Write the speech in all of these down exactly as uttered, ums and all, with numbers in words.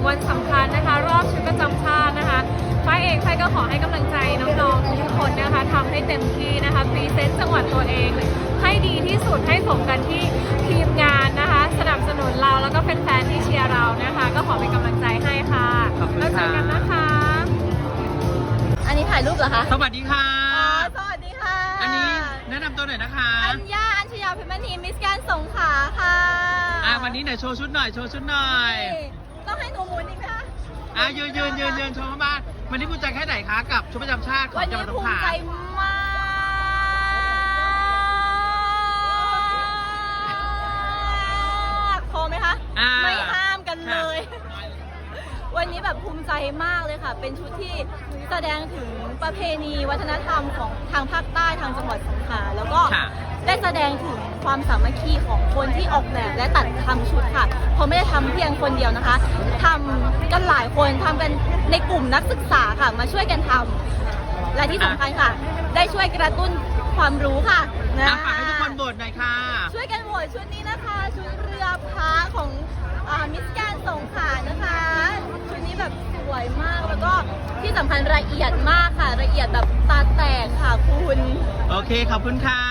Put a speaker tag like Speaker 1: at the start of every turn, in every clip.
Speaker 1: วันสำคัญนะคะรอบชุดประจำชาตินะคะฝ้ายเองฝ้ายก็ขอให้กำลังใจน้องๆทุกคนนะคะทำให้เต็มที่นะคะพรีเซนต์จังหวัดตัวเองให้ดีที่สุดให้สมกันที่ทีมงานนะคะสนับสนุนเราแล้วก็แฟนๆที่เชียร์เรานะคะก็ขอเป็นกำลังใจให้ค่ะแล้วเจอกันนะคะ
Speaker 2: อันนี้ถ่ายรูปเหรอคะ
Speaker 3: สวัสดีค่ะ
Speaker 2: อ๋อสวัสดีค่ะ
Speaker 3: อันนี้แนะนำตัวหน่อยนะคะ
Speaker 2: อัญญาอัญชยาเพชรมณีมิสแกรนด์สงขลาค่ะ
Speaker 3: อ่าวันนี้ไหนโชว์ชุดหน่อยโชว์ชุดหน่อย
Speaker 2: ต้องให้หนูหมุนอีกไหมคะ
Speaker 3: อ่ายืนยืนยืนยืนโชว์บ้านวันนี้ภูมิใจแค่ไหนคะกับชุดประจำชาติของจังหวัดสงขลา
Speaker 2: วันนี้ภูมิใจมากพอไหมคะไม่ห้ามกันเลยวันนี้แบบภูมิใจมากเลยค่ะเป็นชุดที่แสดงถึงประเพณีวัฒนธรรมของทางภาคใต้ทางจังหวัดสงขลาแล้วก็ได้แสดงถึงความสามัคคีของคนที่ออกแบบและตัดทำชุดค่ะเพราะไม่ได้ทำเพียงคนเดียวนะคะทำกันหลายคนทำกันในกลุ่มนักศึกษาค่ะมาช่วยกันทำและที่สำคัญค่ะได้ช่วยกระตุ้นความรู้ค่ะ
Speaker 3: นะฝากให้ทุกคนโหวตหน่อยค่ะ
Speaker 2: ช่วยกันโหวตชุดนี้นะคะชุดเรือพระของมิสแกรนด์สงขลานะคะชุดนี้แบบสวยมากแล้วก็ที่สำคัญละเอียดมากค่ะละเอียดแบบตาแตกค่ะคุณ
Speaker 3: โอเคขอบคุณค่ะ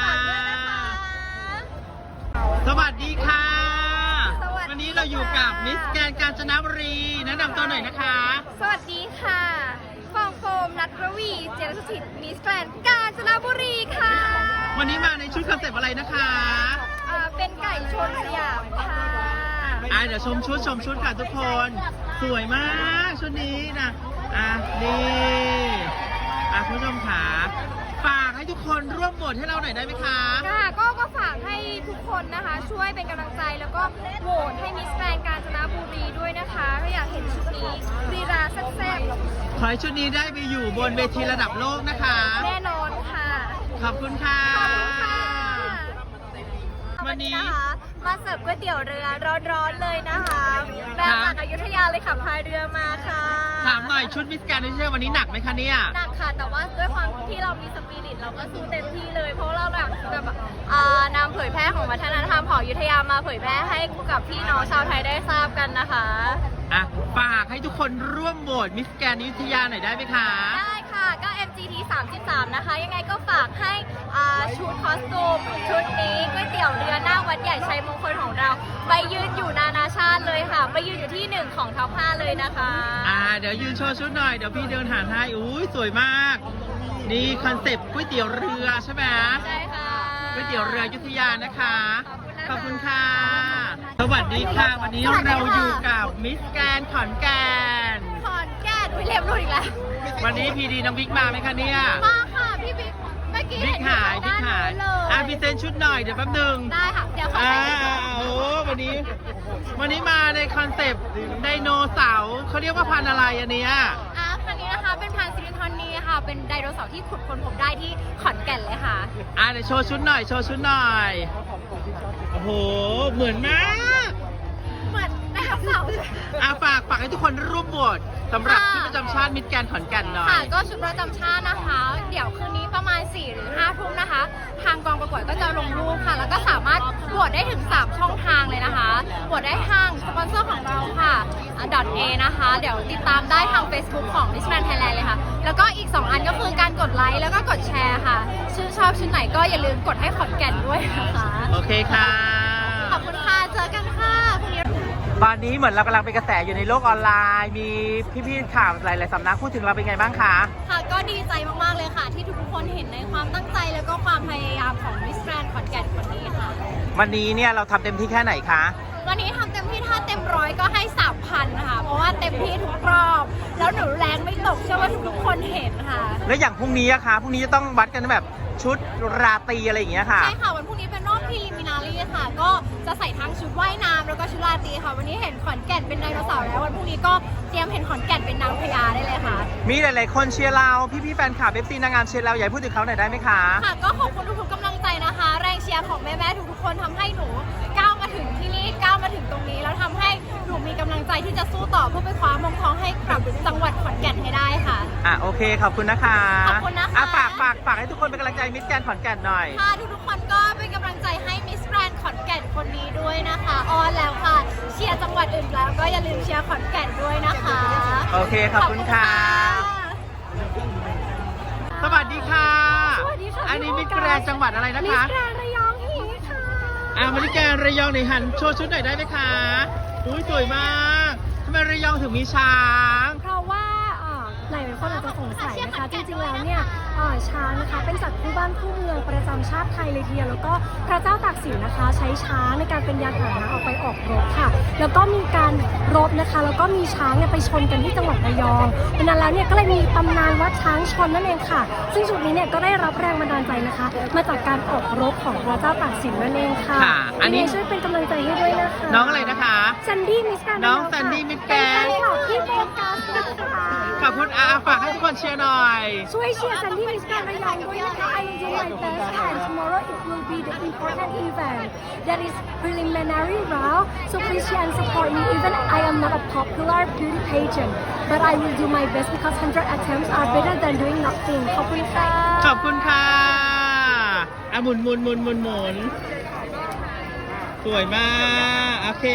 Speaker 3: สวัสดีค่ะวันนี้เราอยู่กับมิสแกรนด์กาญจนบุรีแนะนำตัวหน่อยนะคะ
Speaker 1: สวัสดีค่ะฟองโฟมนัทรวีเจริญสถิตมิสแกรนด์กาญจนบุรีค่ะ
Speaker 3: วันนี้มาในชุดคอนเซปต์อะไรนะคะ
Speaker 1: อ่าเป็นไก่ชนสยามค่ะ
Speaker 3: อ่าเดี๋ยวชมชุดชมชุดค่ะทุกคนสวยมากชุดนี้นะอ่ะนี่อ่ะคุณผู้ชมขาฝากให้ทุกคนร่วมโหวตให้เราหน่อยได้ไหมคะ
Speaker 1: ค่ะก็ก็ฝากให้ทุกคนนะคะช่วยเป็นกำลังใจแล้วก็โหวตให้มิสแกรนด์กาญจนบุรีด้วยนะคะถ้าอยากเห็นชุดนี้รีราแซ่บ
Speaker 3: ๆขอให้ชุดนี้ได้ไปอยู่บนเวทีระดับโลกนะคะ
Speaker 1: แน่นอนค่ะ
Speaker 3: ขอบคุณค่ะ
Speaker 1: ขอบคุณค่ะ
Speaker 3: วันนี้
Speaker 1: มาเสิร์ฟก๋วยเตี๋ยวเรือร้อนๆเลยนะคะแบงจากอยุธยาเลยขับพายเรือมาค่ะ
Speaker 3: ถามหน่อยชุดมิสแกรนด์ที่เชื่อวันนี้หนักไหมคะเนี่ย
Speaker 1: หนักค่ะแต่ว่าด้วยความที่เรามีสปิริตเราก็สู้เต็มที่เลยเพราะเราแบบแบบนำเผยแพร่ของวัฒนธรรมของอยุธยามาเผยแพร่ให้กับพี่น้องชาวไทยได้ทราบกันนะคะ
Speaker 3: อ่ะฝากให้ทุกคนร่วมโหวตมิสแกรนด์อยุธยาหน่อยได้ไหมคะ
Speaker 1: ได้ค่ะก็ เอ็ม จี ที สามสิบสามนะคะยังไงก็ฝากให้ชุดคอสตูมชุดนี้ก๋วยเตี๋ยวเรือหน้าวัดใหญ่ชัยมงคลของเราไปยืนอยู่นานาชาติเลยค่ะไปยืนอยู่ที่หนึ่งของท็อปห้าเลยนะคะ
Speaker 3: อ่าเดี๋ยวยืนโชว์ชุดหน่อยเดี๋ยวพี่เดินหาให้อุ้ยสวยมากนี่คอนเซปต์ก๋วยเตี๋ยวเรือใช่ไหม
Speaker 1: ใช่ค่ะ
Speaker 3: ก๋วยเตี๋ยวเรืออยุธยานะคะขอบคุณค่ะสวัสดีค่ะวันนี้เราอยู่กับมิสแกรนด์ขอนแก่น
Speaker 1: ขอนแก่นวิลเลียมรุ่นอีกแล้ว
Speaker 3: วันนี้พีดีน้องบิ๊กมาไหมคะเนี่ย
Speaker 1: มาค่ะพี่บิ๊กเมื่อกี้
Speaker 3: บิ๊กหายบิ๊กหายอ่ะพรีเซนต์ชุดหน่อยเดี๋ยวแป๊บนึง
Speaker 1: ได้ค่ะเดี๋ยวขอ
Speaker 3: อ่าโอ้วันนี้วันนี้มาในคอนเซปต์ไดโนเสาร์เขาเรียกว่าพันธุ์อะไรอันเนี้ย
Speaker 1: อ่ะคันนี้นะคะเป็นพันธุ์ซิลิคอนนีค่ะเป็นไดโนเสาร์ที่ขุดค้นพบได้ที่ขอนแก่นเลยค่ะ
Speaker 3: อ่ะเดี๋ยวโชว์ชุดหน่อยโชว์ชุดหน่อยโอ้โหเหมือนมาก
Speaker 1: เหมือนไดโนเสาร์
Speaker 3: อ่ะฝากฝากให้ทุกคนร่วมโหวตสำหรับชุดประจำชาติมิสแกรนด์ขอนแก่นหน่อย
Speaker 1: ค่ะก็ชุดประจำชาตินะคะเดี๋ยวคืนนี้ประมาณสี่หรือห้าทุ่มนะคะทางกองประกวดก็จะลงรูปค่ะแล้วก็สามารถโหวตได้ถึงสามช่องทางเลยนะคะโหวตได้ทางสปอนเซอร์ของเราค่ะ .a นะคะเดี๋ยวติดตามได้ทาง Facebook ของ Miss Grand Thailand เลยค่ะแล้วก็อีกสองอันก็คือการกดไลค์แล้วก็กดแชร์ค่ะชื่นชอบชุดไหนก็อย่าลืมกดให้ขอนแก่นด้วยนะคะ
Speaker 3: โอเคค่ะ
Speaker 1: ขอบคุณค่ะเจอกันค่ะ
Speaker 3: ตอนนี้เหมือนเรากำลังเป็นกระแสอยู่ในโลกออนไลน์มีพี่ๆข่าวหลายๆสำนักพูดถึงเราเป็นไงบ้างคะ
Speaker 1: ค่ะก็ดีใจมากๆเลยค่ะที่ทุกคนเห็นในความตั้งใจแล้วก็ความพยายามของมิสแกรนด์ขอนแก่นคนนี้ค่ะ
Speaker 3: วันนี้เนี่ยเราทำเต็มที่แค่ไหนคะ
Speaker 1: วันนี้ทำเต็มที่ถ้าเต็มร้อยก็ให้สามพันค่ะเพราะว่าเต็มที่ทุกรอบแล้วหนูแรงไม่ตกเชื่อว่าทุกๆคนเห็นค่ะ
Speaker 3: แล้วอย่างพรุ่งนี้อะคะพรุ่งนี้จะต้องวัดกันแบบชุดราตรีอะไรอย่างเงี้ยค่ะ
Speaker 1: ใช่ค่ะวันพรุ่งนี้เป็นรอบพรีลิมินารีค่ะก็จะใส่ทั้งชุดว่ายน้ำแล้วก็ชุดราตรีค่ะวันนี้เห็นขอนแก่นเป็นไดโนเสาร์แล้ววันพรุ่งนี้ก็เตรียมเห็นขอนแก่นเป็นนางพญาได้เลยค่ะ
Speaker 3: มีหลายๆคนเชียร์เราพี่ๆแฟนคลับเอฟซีนางงามเชียร์เราอยากพูดถึงเขาหน่อยได้ไหมคะ
Speaker 1: ค่ะก็ขอบคุณทุกๆกำลังใจนะคะแรงเชียร์ของแม่ๆทุกๆคนทำให้หนูก้าวมาถึงที่นี่ก้าวมาถึงตรงนี้แล้วทำให้หนูมีกำลังใจที่จะสู้ต่อเพื่อไปคว้ามงทองให้กับจังหวัดขอนแก่นให้ได้ค่ะ
Speaker 3: อ่ะโอเคขอบคุณนะคะ
Speaker 1: ขอบคุณนะคะ
Speaker 3: อ่ะฝากฝากฝากให้ทุกคนเป็นกำลังใจมิสแกรนด์ขอนแก่นหน่อย
Speaker 1: ค่ะทุกๆคนก็เป็นกำลังใจให้มิสแกรนด์ขอนแก่นคนนี้ด้วยนะคะออนแล้วค่ะเชียร์จังหวัดวัดอื่นแล้วก็อย่าลืมเชียร์ขอนแก่นด้วยนะคะ
Speaker 3: โอเคขอบคุณค่ะ สวัสดีค่ะ
Speaker 1: สวัสดีค่ะ
Speaker 3: อันนี้มิสแกรนด์จังหวัดอะไรนะ
Speaker 1: มิส
Speaker 3: คะ
Speaker 1: แกรนด์ระยองฮีค่ะ
Speaker 3: อ่ามิสแกรนด์ระยองหน่อยหันโชว์ชุดหน่อยได้ไหมคะอุ้ยสวยมากทำไมระยองถึงมีช้าง
Speaker 4: เพราะว่าเอ่อหลายคนอาจจะสงสัยนะคะจริงๆแล้วเนี่ยเอ่อช้างนะคะเป็นสัตว์คู่บ้านคู่เมืองประจำชาติไทยเลยทีเดียวแล้วก็พระเจ้าตากสินนะคะใช้ช้างในการเป็นยานพาหนะออกไปออกรบค่ะ แล้วก็มีการรบนะคะแล้วก็มีช้างเนี่ยไปชนกันที่จังหวัดระยองดังนั้นแล้วเนี่ยก็เลยมีตำนานวัดช้างชนนั่นเองค่ะ ซึ่งจุดนี้เนี่ยก็ได้รับแรงบันดาลใจนะคะ มาจากการออกรบของพระเจ้าตากสินนั่นเองค่ะ
Speaker 3: ค่ะอันนี้
Speaker 4: ยังไงช่วยเป็นกำลังใจให้ด้วยนะคะ
Speaker 3: น้องอะไรนะคะ
Speaker 4: ซันดี้มิสแกรนด์
Speaker 3: น้อง
Speaker 4: ระยค่ะ
Speaker 3: ซันดี้มิสแกรนด์
Speaker 4: เป็นแฟนคลับที่โฟกัสนะคะ
Speaker 3: ขอบคุณอาฝากให้ทุกคนเชียร์หน่อย
Speaker 4: ช่วยเชียร์ซันดี้มิสแกรนด์ระยองด้วยนะคะ I will do my best and tomorrow it will be the important event that is preliminary round so please share and support me even I am not a popular beauty pageant but I will do my best because one hundred attempts are better than doing nothing ขอบคุณค่ะ
Speaker 3: ขอบคุณค่ะอ่ะหมุนหมุนหมุนหมุนหมุนสวยมาก โอเค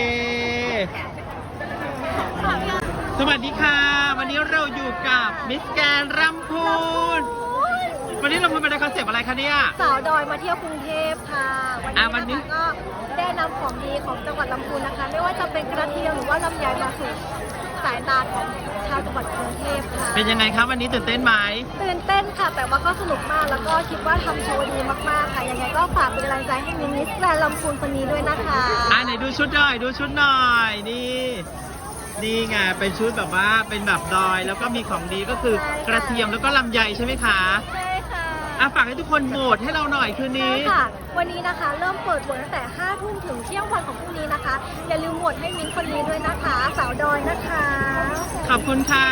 Speaker 3: สวัสดีค่ะ วันนี้เราอยู่กับมิสแกรนด์รำพูน วันนี้เราพูดไปในคอนเซปต์อะไรคะเนี่ย
Speaker 4: สาวดอยมาเที่ยวกรุงเทพค่ะ
Speaker 3: อ่ะวั
Speaker 4: วัน น
Speaker 3: นี้
Speaker 4: นี้นะคะก็ได้นำของดีของจังหวัดลำพูนนะคะ ไม่ว่าจะเป็นกระเทียมหรือว่าลำไยมาสู่สายตาของชาวจังหวัดกรุงเทพค่ะ
Speaker 3: เป็นยังไงครับวันนี้ตื่นเต้นไหม
Speaker 4: ตื่นเต้นค่ะ แต่ว่าก็สนุกมากแล้วก็คิดว่าทำโชว์ดีมากๆค่ะยังไงก็ฝากเป็นกำลังใจให้มินิสแกรนด์ลำพูนคนนี้ด้วยนะคะ
Speaker 3: อ่ะไหนดูชุดหน่อย ดูชุดหน่อย นี่ นี่ไง เป็นชุดแบบว่า เป็นแบบดอย แล้วก็มีของดีก็คือกระเทียมแล้วก็ลำไยใช่ไหมคะ
Speaker 4: ใช่ค่ะ
Speaker 3: อ่ะฝากให้ทุกคนโหวตให้เราหน่อยคืนนี้
Speaker 4: ใช่ค่ะ วันนี้นะคะเริ่มเปิดโหวตตั้งแต่ห้าทุ่มถึงเที่ยงวันของพรุ่งนี้นะคะ อย่าลืมโหวตให้มินคนนี้ด้วยนะคะ สาวดอยนะคะ
Speaker 3: ขอบคุณค่ะ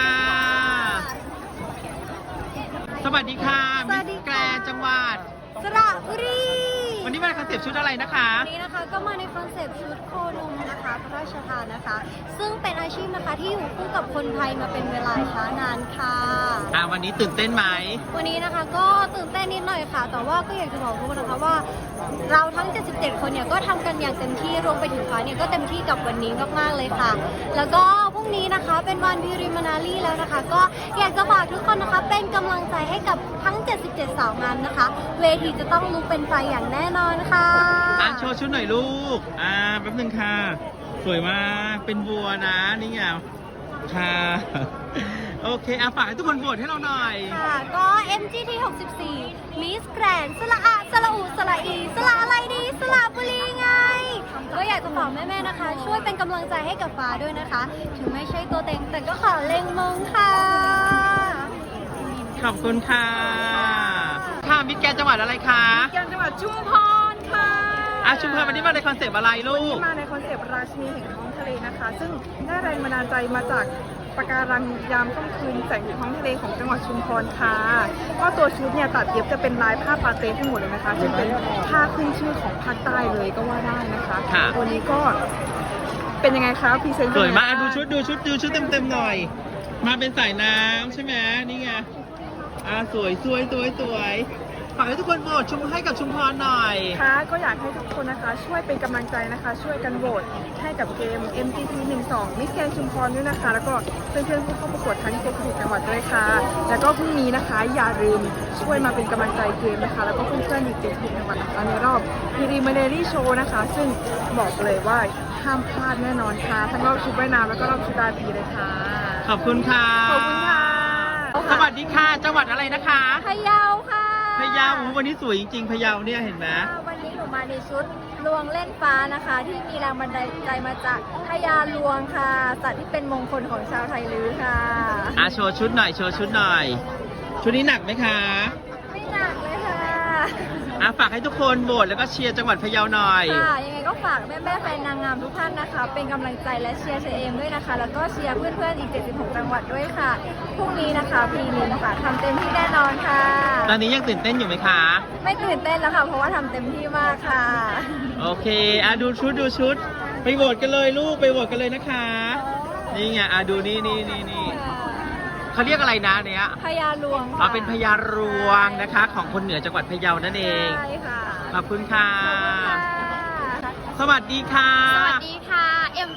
Speaker 3: สวัสดีค่ะ
Speaker 4: ส
Speaker 3: มิ
Speaker 4: วั
Speaker 3: ส
Speaker 4: สดี
Speaker 3: แกร
Speaker 4: ค่ะ
Speaker 3: นด์จังหวัด
Speaker 4: สระบุรี
Speaker 3: วันนี้มาในคอนเซปต์ชุดอะไรนะคะ
Speaker 4: วันนี้นะคะก็มาในคอนเซปต์ชุดโคลุมนะคะพระราชทานนะคะ ซึ่งเป็นอาชีพนะคะที่อยู่คู่กับคนไทยมาเป็นเวลาช้านานค่ะ
Speaker 3: อ่ะวันนี้ตื่นเต้นไหม
Speaker 4: วันนี้นะคะก็ตื่นเต้นนิดหน่อยค่ะ แต่ว่าก็อยากจะบอกทุกคนนะคะว่า เราทั้งเจ็ดสิบเจ็ดคนเนี่ยก็ทำกันอย่างเต็มที่รวมไปถึงฟ้าเนี่ยก็เต็มที่กับวันนี้มากๆเลยค่ะ แล้วก็พรุ่งนี้นะคะเป็นวันพิริมานารีแล้วนะคะ ก็อยากจะฝากทุกคนนะคะเป็นกำลังใจให้กับทั้งเจ็ดสิบเจ็ดสาวงามนะคะ เวทีจะต้องลุกเป็นไฟอย่างแน่นอนค่ะ
Speaker 3: อ่ะโชว์ชุดหน่อยลูก อ่าแป๊บนึงค่ะ สวยมาก เป็นบัวนะ นี่ไงค่ะ โอเคอ่ะฝากให้ทุกคนโหวตให้เราหน่อย
Speaker 4: ค่ะก็ เอ็ม จี ที หกสิบสี่ Miss Grand สละอะสละอูสละอีสละอะไรดีสละบุรีไง ก็อยากจะฝากแม่ๆนะคะ ช่วยเป็นกำลังใจให้กับฟ้าด้วยนะคะ ถึงไม่ใช่ตัวเต็งแต่ก็ขอเล็งมงค่ะ
Speaker 3: ขอบคุณค่ะ ค่ะมิสแกรนด์จังหวัดอะไรคะ
Speaker 5: แกนจังหวัดชุมพรค่ะ
Speaker 3: อ่ะชุมพรวันนี้มาในคอนเซปต์อะไรลูก
Speaker 5: มาในคอนเซปต์ราชินีแห่งท้องทะเลนะคะ ซึ่งได้แรงบันดาลใจมาจากปะการังยามค่ำคืนแสงท้องทะเลของจังหวัดชุมพรค่ะก็ตัวชุดเนี่ยตัดเย็บจะเป็นลายผ้าปาเต้ทั้งหมดเลยนะคะซึ่งเป็นผ้าขึ้นชื่อของภาคใต้เลยก็ว่าได้นะคะ
Speaker 3: ค่ะ
Speaker 5: ตัวนี้ก็เป็นยังไงคะพรีเซนต์
Speaker 3: สวยมากอ่ะดูชุดดูชุดดูชุดเต็มๆหน่อย มาเป็นสายน้ำใช่ไหมนี่ไง อ่ะสวยสวยสวยสวยฝากให้ทุกคนโหวตชุมให้กับชุมพรหน่อย
Speaker 5: ค่ะก็อยากให้ทุกคนนะคะ ช่วยเป็นกำลังใจนะคะ ช่วยกันโหวตให้กับเกม เอ็ม จี ที หนึ่งสอง Miss Grand ชุมพรด้วยนะคะ แล้วก็เพื่อนๆผู้เข้าประกวดทั้งเจ็ดสิบจังหวัดด้วยค่ะ แล้วก็พรุ่งนี้นะคะ อย่าลืมช่วยมาเป็นกำลังใจเกมนะคะ แล้วก็เพื่อนๆอีกเจ็ดสิบจังหวัดนะคะในรอบพีรีมาเนรี่โชว์นะคะ ซึ่งบอกเลยว่าห้ามพลาดแน่นอนค่ะ ทั้งรอบชุดว่ายน้ำแล้วก็รอบชุดราตรีเลยค่ะ
Speaker 3: ขอบคุณค่ะ
Speaker 5: ขอบคุณค่ะ
Speaker 3: สวัสดีค่ะ จังหวัดอะไรนะคะ
Speaker 4: พะเยาค่ะ
Speaker 3: พะเยาอู้วันนี้สวยจริงๆพะเยาเนี่ยเห็นไหม
Speaker 4: วันนี้หนูมาในชุดลวงเล่นฟ้านะคะ ที่มีแรงบันดาลใจมาจากพญาลวงค่ะสัตว์ที่เป็นมงคลของชาวไทยลื้อค่ะ
Speaker 3: อ่ะโชว์ชุดหน่อยโชว์ชุดหน่อย ชุดนี้หนักไหมคะ
Speaker 4: ไม่หนักเลยค่ะ
Speaker 3: อ่ะฝากให้ทุกคนโหวตแล้วก็เชียร์จังหวัดพะเยาหน่อย
Speaker 4: ค่ะยังไงก็ฝากแม่แม่ๆแฟนนางงามทุกท่านนะคะ เป็นกำลังใจและเชียร์เชเอมด้วยนะคะ แล้วก็เชียร์เพื่อนๆอีกเจ็ดสิบหกจังหวัดด้วยค่ะพรุ่งนี้นะคะพีนินค่ะทำเต็มที่แน่นอนค่ะ
Speaker 3: ตอนนี้ยังตื่นเต้นอยู่ไหมคะ
Speaker 4: ไม่ตื่นเต้นแล้วค่ะเพราะว่าทำเต็มที่มากค่ะ
Speaker 3: โอเค อ่ะดูชุดดูชุด ไปโหวตกันเลยลูกไปโหวตกันเลยนะคะ นี่ไง อ่ะดูนี่นี่นี่นี่เขาเรียกอะไรนะเนี้ย
Speaker 4: พญาลวง
Speaker 3: อ๋อเป็นพญารวงนะคะ ของคนเหนือจังหวัดพะเยานั่นเอง
Speaker 4: ใช่ค่ะ
Speaker 3: ขอบคุณค่ะ
Speaker 4: ขอบคุณค่ะ
Speaker 3: สวัสดีค่ะ
Speaker 1: สวัสดีค่ะ เอ็ม จี ที หก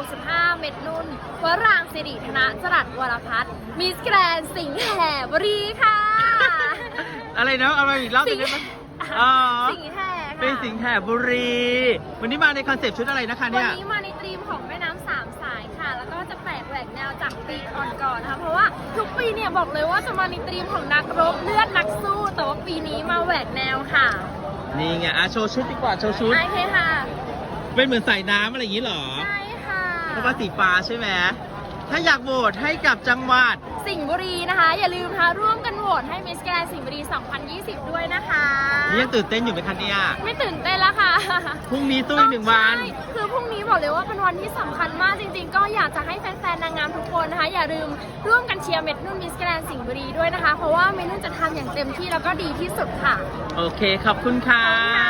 Speaker 1: กสิบห้า เม็ดนุ่นวรางศิริธนจรัสวรพัฒน์มิสแกรนด์สิงห์แห่บุรีค่ะ
Speaker 3: อะไรนะเอามาอีกรอบหนึงได้ไหมอ๋อ
Speaker 1: สิงห์แห่ค่ะ
Speaker 3: เป็นสิงห์แห่บุรี วันนี้มาในคอนเซปต์ชุดอะไรนะคะ
Speaker 1: วั
Speaker 3: เนี่ย
Speaker 1: นนี้มาในธีมของแม่น้ำสามสายค่ะ แล้วก็จะแปลกแหวกแนวจากปีก่อนๆนะคะเพราะว่าทุกปีเนี่ยบอกเลยว่าจะมาในธีมของนักรบเลือดนักสู้ แต่ว่าปีนี้มาแหวกแนวค่ะ
Speaker 3: นี่ไงอ่ะโชว์ชุดดีกว่าโชว์ชุด
Speaker 1: โอเคค่ะ
Speaker 3: เป็นเหมือนใส่น้ำอะไรอย่างนี้เหรอ
Speaker 1: ใช่ค่ะ
Speaker 3: เพราะว่าสีฟ้าใช่ไหมถ้าอยากโหวตให้กับจังหวัด
Speaker 1: สิงห์บุรีนะคะ อย่าลืมนะคะร่วมกันโหวตให้มิสแกรนด์สิงห์บุรี สองพันยี่สิบ ด้วยนะคะ
Speaker 3: นี่ยังตื่นเต้นอยู่ไหมคะเนี่ย
Speaker 1: ไม่ตื่นเต้นแล้วค่ะ
Speaker 3: พรุ่งนี้ตู้อีกหนึ่งวัน
Speaker 1: ใช่คือพรุ่งนี้บอกเลยว่าเป็นวันที่สำคัญมากจริงๆ ก็อยากจะให้แฟนๆ นางงามทุกคนนะคะ อย่าลืมร่วมกันเชียร์เม็ดนุ่นมิสแกรนด์สิงห์บุรีด้วยนะคะ เพราะว่าเม็ดนุ่นจะทำอย่างเต็มที่แล้วก็ดีที่สุดค่ะ
Speaker 3: โอเคขอบคุณค่ะ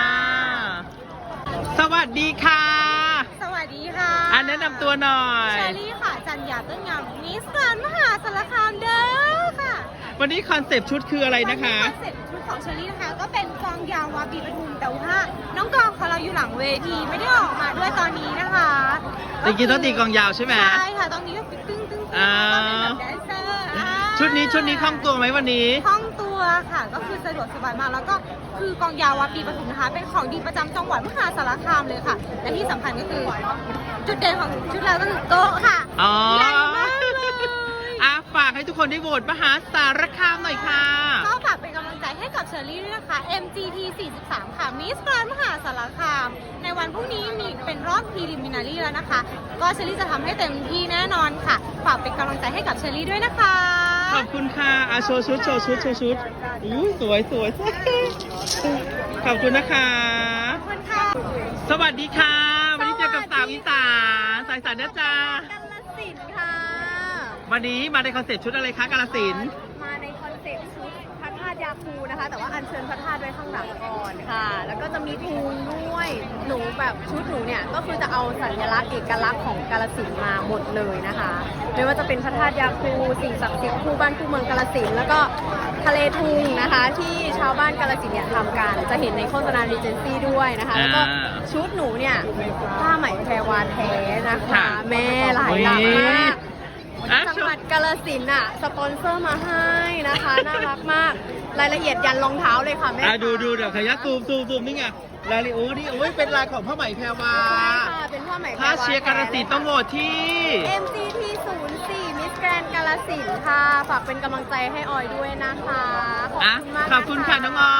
Speaker 3: สวัสดีค่ะ
Speaker 2: สวัสดีค่ะ
Speaker 3: อันแนะนำตัวหน่อย
Speaker 2: เชอรี่ค่ะ จันยาต้นงามมิสแกรนด์มหาสารคามเด้อค่ะ
Speaker 3: วันนี้คอนเซปต์ชุดคืออะไรนะคะ
Speaker 2: คอนเซ็ปต์ชุดของเชอรี่นะคะก็เป็นกองยาววาบีปทุมแต่ว่าน้องกองของเราอยู่หลังเวทีไม่ได้ออกมาด้วยตอนนี้นะคะ
Speaker 3: จริงๆต้องตีกลองยาวใช่ไหม
Speaker 2: ใช่ค่ะตอนนี้ก็ตึ้งตึ้งตึ้ง
Speaker 3: อ่า
Speaker 2: ก็เป็นแบบแดนเซอร์อ่า
Speaker 3: ชุดนี้ชุดนี้คล่องตัวไหมวันนี้
Speaker 2: คล่องตัวค่ะก็คือสะดวกสบายมากแล้วก็คือกองยาววาปีปทุมนะคะเป็นของดีประจำจังหวัดมหาสารคามเลยค่ะและที่สำคัญก็คือจุดเด่นของชุดเราก็คือโต๊ะค่ะ
Speaker 3: อ๋อ
Speaker 2: ใหญ่มากเลย
Speaker 3: อ่ะฝากให้ทุกคนได้โหวตมหาสารคามหน่อยค่ะ
Speaker 2: ก็ฝากเป็นกำลังใจให้กับเชอรี่ด้วยนะคะ เอ็ม จี ที สี่สิบสาม ค่ะมิสแกรนด์มหาสารคาม ในวันพรุ่งนี้มีเป็นรอบพรีลิมินารีแล้วนะคะ ก็เชอรี่จะทำให้เต็มที่แน่นอนค่ะฝากเป็นกำลังใจให้กับเชอรี่ด้วยนะคะ
Speaker 3: ขอบคุณค่ะอาโชว์ชุดโชว์ชุดโชว์ชุดอู้สวยสวยขอบคุณนะคะ
Speaker 2: ขอบคุณค่ะ
Speaker 3: สวัสดีค่ะ วันนี้เจอกับสาวอีสานสายสานนะจ๊ะ
Speaker 1: กาลสินธุ์ค่ะ
Speaker 3: วันนี้มาในคอนเซ็ปต์ชุดอะไรคะกาลสินธุ์
Speaker 1: มาในคอนเซ็ปต์ชุดพระธาตุยาคูนะคะ แต่ว่าอัญเชิญพระธาตุไว้ข้างหลังก่อนค่ะ แล้วก็จะมีทูลด้วยหนูแบบชุดหนูเนี่ยก็คือจะเอาสัญลักษณ์เอกลักษณ์ของกาฬสินธุ์มาหมดเลยนะคะไม่ว่าจะเป็นพระธาตุยาคูสิ่งศักดิ์สิทธิ์คู่บ้านคู่เมืองกาฬสินธุ์แล้วก็ทะเลทุงนะคะ ที่ชาวบ้านกาฬสินธุ์เนี่ยทำกันจะเห็นในโฆษณารีเจนซี่ด้วยนะคะแล้วก็ชุดหนูเนี่ยผ้าไหมแพรวาแท้นะคะ แม่หลายหลักมาก
Speaker 3: อ่ะ
Speaker 1: จังหวัดกาฬสินธุ์อ่ะสปอนเซอร์มาให้นะคะ น่ารักมาก รายละเอียดยันรองเท้าเลยค่ะแม่
Speaker 3: อ่ะดูดูเดี๋ยวขยักซูมซูมซูมนี่ไงลายลิโอนี่โอ้ยเป็นลายของผ้าไหมแพรวา
Speaker 1: ใช่ค่ะ เป็นผ้าไหมแพรว
Speaker 3: ถ้าเชียร์กาลสินธุ์ต้องโหวตที่
Speaker 1: เอ็ม จี ที ศูนย์สี่ มิสแกรนด์กาฬสินธุ์ค่ะ ฝากเป็นกำลังใจให้ออยด้วยนะคะ ขอบ
Speaker 3: อ่ะ
Speaker 1: คุณมาก
Speaker 3: ขอบคุณค่ะน้องออย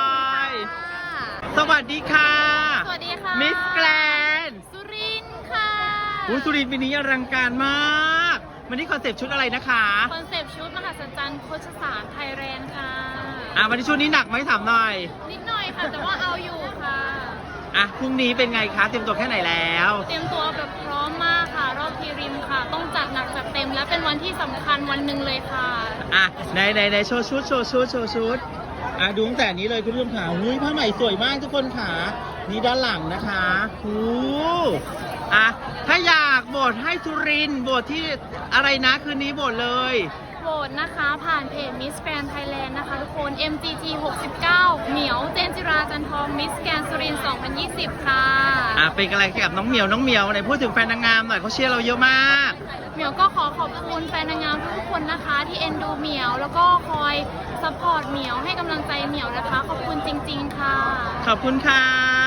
Speaker 1: ค่ะ
Speaker 3: สวัสดีค่ะ
Speaker 1: สวัสดีค่ะ
Speaker 3: มิสแกรนด์
Speaker 1: สุรินทร์ค่ะ
Speaker 3: อุ้ยสุรินทร์ปีนี้อลังการมาก วันนี้คอนเซปต์ชุดอะไรนะคะ
Speaker 1: คอนเซปต์ชุดมหัศจรรย์โคชสารไทยแลนด์ค่ะ
Speaker 3: อ่ะวันนี้ชุดนี้หนักไหมถามหน่อย
Speaker 1: นิดหน่อยค่ะ แต่ว่าเอาอยู่ค่ะ
Speaker 3: อ่ะพรุ่งนี้เป็นไงคะเตรียมตัวแค่ไหนแล้ว
Speaker 1: เตรียมตัวแบบพร้อมมากค่ะ รอบพรีริมค่ะ ต้องจัดหนักจัดเต็มและเป็นวันที่สำคัญวันหนึ่งเลยค่ะ
Speaker 3: อ่ะในในในโชว์ชุดโชว์ชุดโชว์ชุดอ่ะดูตั้งแต่นี้เลยคุณผู้ชมขาหุ้ยผ้าไหมสวยมากทุกคนขานี่ด้านหลังนะคะหูอ่ะถ้าอยากโหวตให้สุรินทร์โหวตที่อะไรนะคืนนี้โหวตเลย
Speaker 1: โหวตนะคะผ่านเพจ Miss Grand Thailand นะคะทุกคน เอ็ม จี ที หกสิบเก้า เหมียวเจนจิราจันทอง Miss Grand สุรินทร์สองพันยี่สิบ ค่ะ
Speaker 3: อ่ะเป็นกำลังใจกับน้องเหมียวน้องเหมียวไหนพูดถึงแฟนนางงามหน่อยเขาเชียร์เราเยอะมาก
Speaker 1: เหมียวก็ขอขอบคุณแฟนนางงามทุกคนนะคะ ที่เอ็นดูเหมียว แล้วก็คอยซัพพอร์ตเหมียวให้กำลังใจเหมียวนะคะ ขอบคุณจริงๆค่ะ
Speaker 3: ขอบคุณค่ะ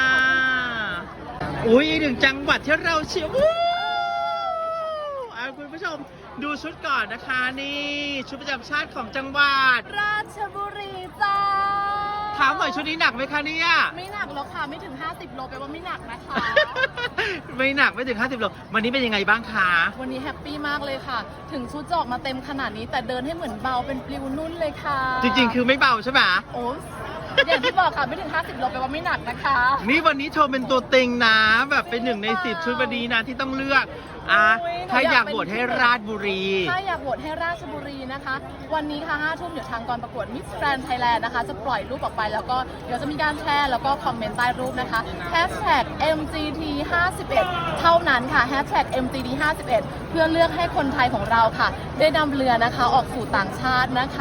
Speaker 3: อุ้ยอีกหนึ่งจังหวัดที่เราเชียร์วู้อ่ะคุณผู้ชมดูชุดก่อนนะคะนี่ชุดประจำชาติของจังหวัด
Speaker 1: ราชบุรีจ้า
Speaker 3: ถามหน่อยชุดนี้หนักไหมคะเนี่ย
Speaker 1: ไม่หนักแล้วค่ะ ไม่ถึง ห้าสิบ โลแปลว่าไม่หนักนะคะ
Speaker 3: ไม่หนักไม่ถึงห้าสิบโลวันนี้เป็นยังไงบ้างคะ
Speaker 6: วันนี้แฮปปี้มากเลยค่ะ ถึงชุดจะออกมาเต็มขนาดนี้แต่เดินให้เหมือนเบาเป็นปลิวนุ่นเลยค่ะ
Speaker 3: จริงๆ คือไม่เบาใช่ไหม
Speaker 6: โอ้อย่างที่บอกค่ะไม่ถึง ห้าสิบ โลแปลว่าไม่หนักนะคะ
Speaker 3: นี่วันนี้โชว์เป็นตัวเต็งนะ แบบเป็นหนึ่งในสิบชุดวันนี้นะที่ต้องเลือกอ่ะ
Speaker 6: โอ้ย
Speaker 3: ถ้าอยากโหวตให้ราชบุรี
Speaker 6: ถ้าอยากโหวตให้ราชบุรีนะคะ วันนี้ค่ะห้าทุ่มเดี๋ยวทางกองประกวด Miss Grand Thailand นะคะ จะปล่อยรูปออกไปแล้วก็เดี๋ยวจะมีการแชร์แล้วก็คอมเมนต์ใต้รูปนะคะ Hashtag เอ็ม จี ที ห้าสิบเอ็ด เท่านั้นค่ะ Hashtag เอ็ม จี ที ห้าสิบเอ็ด เพื่อเลือกให้คนไทยของเราค่ะ ได้นำเรือนะคะออกสู่ต่างชาตินะคะ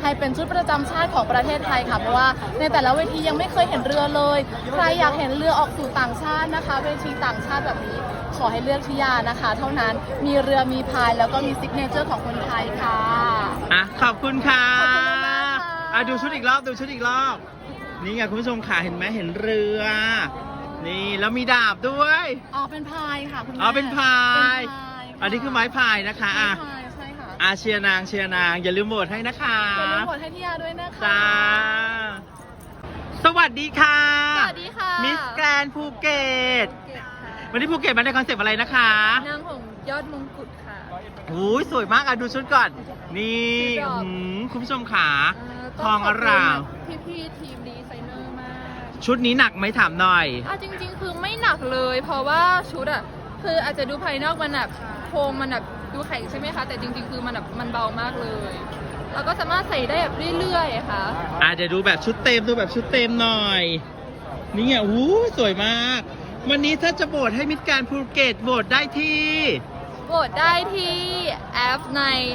Speaker 6: ให้เป็นชุดประจำชาติของประเทศไทยค่ะเพราะว่าในแต่ละเวทียังไม่เคยเห็นเรือเลย ใครอยากเห็นเรือออกสู่ต่างชาตินะคะ เวทีต่างชาติแบบนี้ขอให้เลือกทิยานะคะ เท่านั้นมีเรือมีพายแล้วก็มีซิกเนเจอร์ของคนไทยค่ะ
Speaker 3: อ่ะขอบคุณค่ะ
Speaker 6: ขอบคุณมากๆค่ะ
Speaker 3: อ่ะดูชุดอีกรอบดูชุดอีกรอบ นี่ไงคุณผู้ชมค่ะเห็นไหมเห็นเรือ นี่แล้วมีดาบด้วย
Speaker 6: อ๋อเป็นพายค่ะคุณแม่
Speaker 3: อ๋อเป็นพาย
Speaker 6: เป็นพายะ
Speaker 3: อันนี้คือไม้พายนะคะอ่ะ
Speaker 6: ไม้พายใช่ค่ะ
Speaker 3: อาเชียร์นางเชียร์นางอย่าลืมโหวตให้นะคะ
Speaker 6: อย่าลืมกดให้ทิยาด้วยนะคะ
Speaker 3: จ้าสวัสดีค่ะ
Speaker 1: สวัสดีค่ะ
Speaker 3: มิสแกรนภูเก็ตวันนี้ภูเก็ตมาในคอนเซปต์อะไรนะคะ
Speaker 1: นางหงยอดมงกุฎค่ะ
Speaker 3: โอ้ยสวยมากอ่ะดูชุดก่อน นี่
Speaker 1: ชุดดอก
Speaker 3: หืมคุณผู้ชมขาทองอร่าม
Speaker 1: พี่พี่ๆทีมดีไซเนอร์มาก
Speaker 3: ชุดนี้หนักไหมถามหน่อย
Speaker 1: อ่ะจริง ๆ คือไม่หนักเลย เพราะว่าชุดอ่ะคืออาจจะดูภายนอกมันแบบโครงมันแบบดูแข็งใช่ไหมคะ แต่จริง ๆ คือมันแบบมันเบามากเลย แล้วก็สามารถใส่ได้แบบเรื่อยๆอะค่ะ
Speaker 3: อ่ะเดี๋ยวดูแบบชุดเต็มดูแบบชุดเต็มหน่อย นี่ไงอู้สวยมาก วันนี้ถ้าจะโหวตให้มิสแกรนภูเก็ตโหวตได้ที่
Speaker 1: โหวตได้ที่แอปใน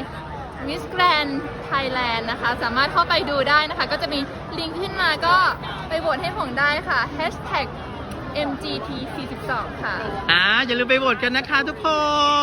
Speaker 1: Miss Grand Thailand นะคะ สามารถเข้าไปดูได้นะคะ ก็จะมีลิงก์ขึ้นมาก็ไปโหวตให้ผมได้ค่ะ Hashtag เอ็ม จี ที สี่สิบสอง ค่ะ
Speaker 3: อ่าอย่าลืมไปโหวตกันนะคะทุกคน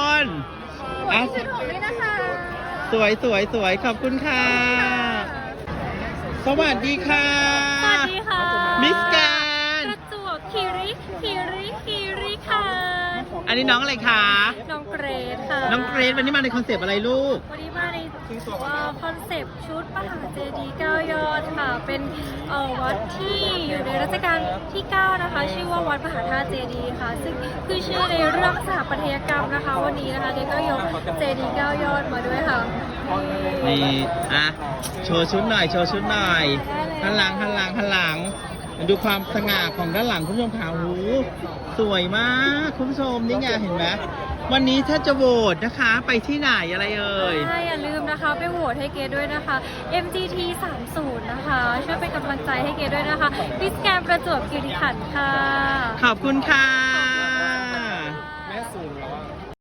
Speaker 1: โหวตให้ชุดผมด้วยนะคะ
Speaker 3: สวยสวยสวยขอบคุณค่ะ สวัสดีค่ะ
Speaker 4: สวัสดีค่ะ
Speaker 3: มิสแกรน
Speaker 4: ประจวบคีริคีริคีริค่ะ
Speaker 3: อันนี้น้องอะไรคะ
Speaker 4: น้องเกรดค่ะ
Speaker 3: น้องเกรซวันนี้มาในคอนเซปต์อะไรลูก
Speaker 4: วันนี้มาในว่าคอนเซปต์ชุดมหาเจดีย์เก้ายอดค่ะ เป็นเอ่อวัดที่อยู่ในรัชกาลที่เก้านะคะ ชื่อว่าวัดมหาธาตุเจดีย์ค่ะ ซึ่งคือชื่อในเรื่องสถาปัตยกรรมนะคะ วันนี้นะคะเด็กก็ยกเจดีย์เก้ายอดมาด้วยค่ะ
Speaker 3: นี่ อ่ะ โชว์ชุดหน่อย โชว์ชุดหน่อยหันหลังหันหลังหันหลัง ดูความสง่าของด้านหลังคุณผู้ชมค่ะโอ้โหสวยมากคุณผู้ชมนี่ไงเห็นไหมวันนี้ถ้าจะโหวตนะคะ ไปที่ไหนอะไรเอ่ย
Speaker 4: ใช่อย่าลืมนะคะ ไปโหวตให้เกดด้วยนะคะ เอ็ม จี ที สามสิบ นะคะ ช่วยเป็นกำลังใจให้เกดด้วยนะคะมิสแกรนด์ประจวบคีรีขันธ์ค่ะ
Speaker 3: ขอบคุณค่ะ